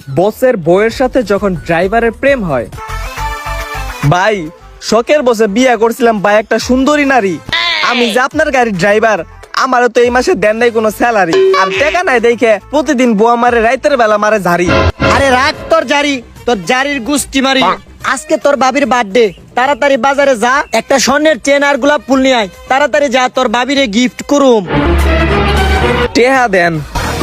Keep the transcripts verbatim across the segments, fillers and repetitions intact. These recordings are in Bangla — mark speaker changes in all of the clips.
Speaker 1: বসের বউয়ের সাথে যখন ড্রাইভারের প্রেম হয়। ভাই শখের বসে বিয়ে করছিলাম ভাই একটা সুন্দরী নারী, আমি যে আপনার গাড়ির ড্রাইভার, আমারও তো এই মাসে দেন নাই কোনো স্যালারি, আর টাকা নাই দেখে প্রতিদিন বুয়া মারে রাইতের বেলা মারে ঝাড়ি।
Speaker 2: আরে রাখ তোর জারি, তোর জারির গুষ্টি মারি। আজকে তোর বাবির বার্থডে, তাড়াতাড়ি বাজারে যা, একটা স্বর্ণের চেন আর গোলাপ ফুল নিয়ে আয়। তাড়াতাড়ি যা, তোর বাবিরে গিফট করুম।
Speaker 1: টেহা দেন।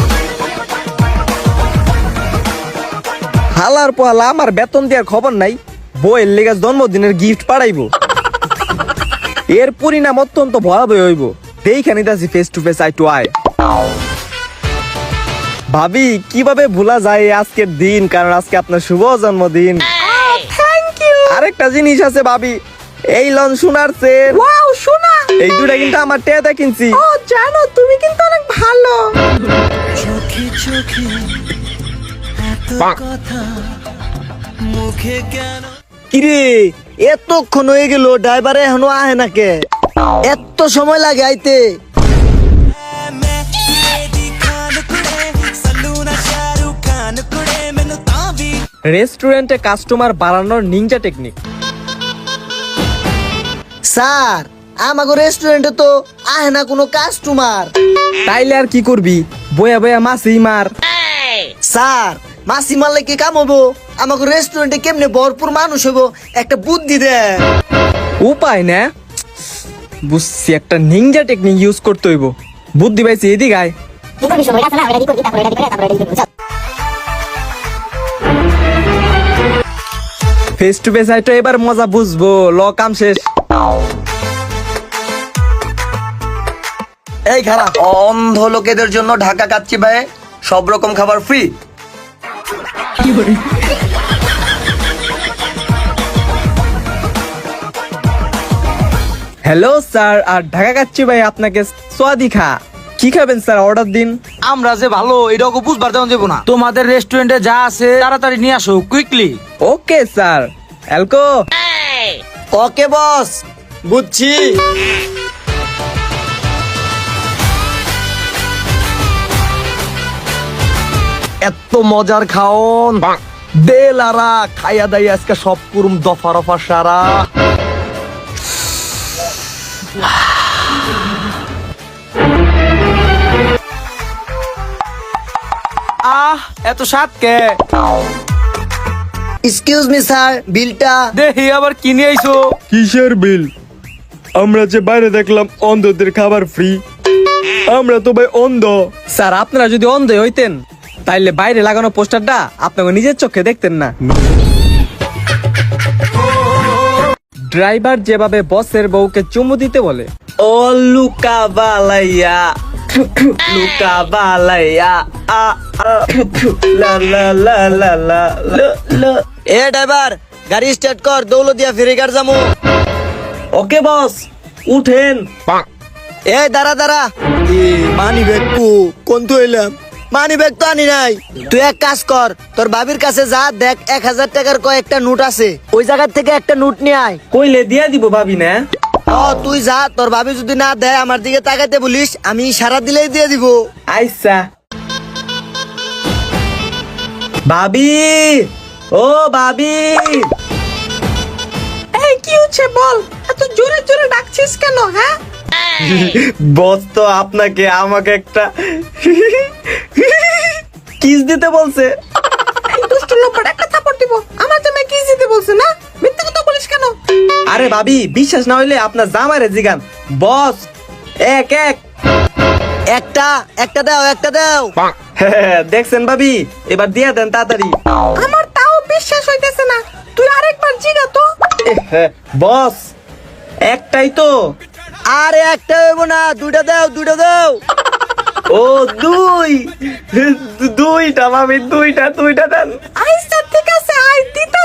Speaker 1: হালার পোহালা আমার বেতন দেওয়ার খবর নাই, বইয়ের লেগে জন্মদিনের গিফট পাঠাইবো। এর পরিণাম অত্যন্ত ভয়াবহ হইব। দেখে নিতেছি face to face eye to eye. ভাবি কিভাবে ভোলা যায় এই আজকের দিন, কারণ আজকে আপনার শুভ জন্মদিন।
Speaker 3: Thank you.
Speaker 1: আরেকটা জিনিস আছে ভাবি, এই লন সোনার চেন,
Speaker 3: ওয়াও সোনা।
Speaker 1: এই দুটা কিন্তু আমার টেয়াতে কিনছি।
Speaker 3: ও জানো তুমি কিন্তু অনেক ভালো।
Speaker 4: চোখে চোখে এত কথা মুখে কেন?
Speaker 2: কিরে এতক্ষণ হয়ে গেল, ড্রাইভারে এখনো আহে না কে? এত সময় লাগে আইতে?
Speaker 4: मैं मेरी खान कुड़े सलूना शाहरुख खान कुड़े मैनू तां भी
Speaker 1: রেস্টুরেন্টে কাস্টমার বাড়ানোর নিনজা টেকনিক।
Speaker 2: স্যার আমাগো রেস্টুরেন্টে তো আহে না কোনো কাস্টমার।
Speaker 1: তাইলে আর কি করবি, বয়া বয়া মাছি মার।
Speaker 2: স্যার মাসি মারলে কি কাম হবো? আমাগো রেস্টুরেন্টে কেমনে ভরপুর মানুষ হবো, একটা বুদ্ধি দেন।
Speaker 1: উপায় না, বুঝছি একটা নিনজা টেকনিক ইউজ করতে হইব। বুদ্ধি পাইছি, এদিক আয়। ফেস টু ফেস আই তো এবার মজা বুঝবো। ল কাম শেষ।
Speaker 5: এই খারাপ অন্ধ লোকেদের জন্য ঢাকা কাচ্চি ভাই সব রকম খাবার ফ্রি।
Speaker 1: হ্যালো স্যার, আর ঢাকা কাচ্চি ভাই আপনাকে সোয়াদি খা। কি খাবেন স্যার, অর্ডার দিন।
Speaker 6: আমরা যে ভালো এটাকে বুঝবার তেমন যাবো না। তোমাদের রেস্টুরেন্টে যা আছে তাড়াতাড়ি নিয়ে আসো, কুইকলি।
Speaker 1: Okay sir. অ্যালকো।
Speaker 2: ওকে বস, বুঝছি।
Speaker 5: এত মজার খাওন দে লারা, খাইয়া দাই আজকে সব কুরুম দফা রফা সারা।
Speaker 6: আহ এত স্বাদ কে?
Speaker 2: এক্সকিউজ মি স্যার, বিলটা।
Speaker 6: দেখি আবার কিনে আইছো।
Speaker 1: কিসের বিল? আমরা যে বাইরে দেখলাম অন্ধদের খাবার ফ্রি, আমরা তো ভাই অন্ধ। স্যার আপনারা যদি অন্ধ হইতেন তাইলে বাইরে লাগানো পোস্টারটা আপনাকে নিজের চোখে দেখতেন না। ড্রাইভার যেভাবে বসের বউকে চুমু দিতে বলে, ও লুকা বালাইয়া লুকা বালাইয়া আ আ, লা লা লা লা লা লা, লা।
Speaker 2: এ ড্রাইভার গাড়ি স্টার্ট কর, দৌলদিয়া ফেরিঘাট যামু।
Speaker 1: ওকে বস, উঠেন।
Speaker 2: এ দাঁড়া দাঁড়া, মানি ব্যাগ কু কোন তো এলাম, মানি ব্যাগ তো আনি নাই। তুই এক কাজ কর, তোর বাবির কাছে যা, দেখ এক হাজার টাকার কয়েকটা নোট আছে, ওই জায়গা থেকে একটা নোট নিয়ে আয়।
Speaker 1: কইলে দিয়া দিব ভাবি না।
Speaker 2: ও তুই যা, তোর ভাবি যদি না দেয় আমার দিকে তাকাইতে বলিস, আমি সারা দিলেই দিয়ে দিব।
Speaker 1: আইসা ভাবি, ও ভাবি।
Speaker 3: এই কি হচ্ছে বল, এত জোরে জোরে ডাকছিস কেন? হ্যাঁ
Speaker 1: বস তো আপনাকে আমাকে একটা কিস দিতে বলছে।
Speaker 3: এই দুষ্ট লোকটা একটা থাপড় দিব। আমার জামাই কিস দিতে বলছে না? মিথ্যা কথা বলিস কেন?
Speaker 1: আরে ভাবি বিশ্বাস না হইলে আপনার জামাইরে জিগান। বস এক এক
Speaker 2: একটা একটা দাও, একটা দাও।
Speaker 1: হ্যাঁ, দেখছেন ভাবি, এবার দিয়া দেন তাড়াতাড়ি।
Speaker 3: আমার তাও বিশ্বাস হইতেছে না, তুই আরেকবার জিগা তো।
Speaker 1: হ্যাঁ, বস একটাই তো।
Speaker 2: আরে একটা হইব না, দুইটা দাও, দুইটা দাও।
Speaker 1: ও দুই দুইটা ভাবি, দুইটা দুইটা দেন।
Speaker 3: আইসা ঠিক আছে, আই দিতে